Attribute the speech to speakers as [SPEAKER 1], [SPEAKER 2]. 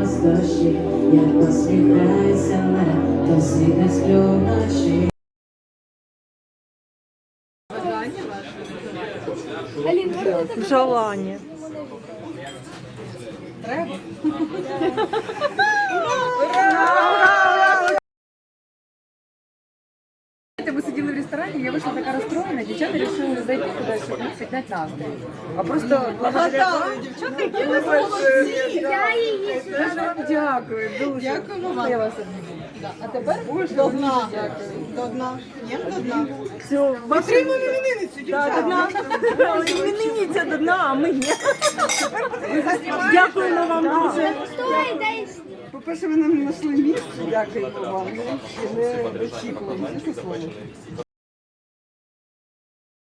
[SPEAKER 1] вас дощі, як посміхається не, то світ сплю вночі.
[SPEAKER 2] Желання.
[SPEAKER 3] Мы сидели в ресторане, я вышла такая расстроенная, девчата решили зайти туда, чтобы мне поднять настрой. А просто благодаря вам, девчата, дякую, дуже.
[SPEAKER 4] Дякую.
[SPEAKER 3] Я вас обійму. А тепер
[SPEAKER 4] До дна. До дна. Ні, до дна.
[SPEAKER 2] Все,
[SPEAKER 4] Отримуємо іменинницю, дівчата.
[SPEAKER 2] іменинниця до дна, а ми ні. Дякуємо вам дуже.
[SPEAKER 4] По-перше, ви нам знайшли місце. Дякуємо вам. Ми ще не очікували, чесне слово.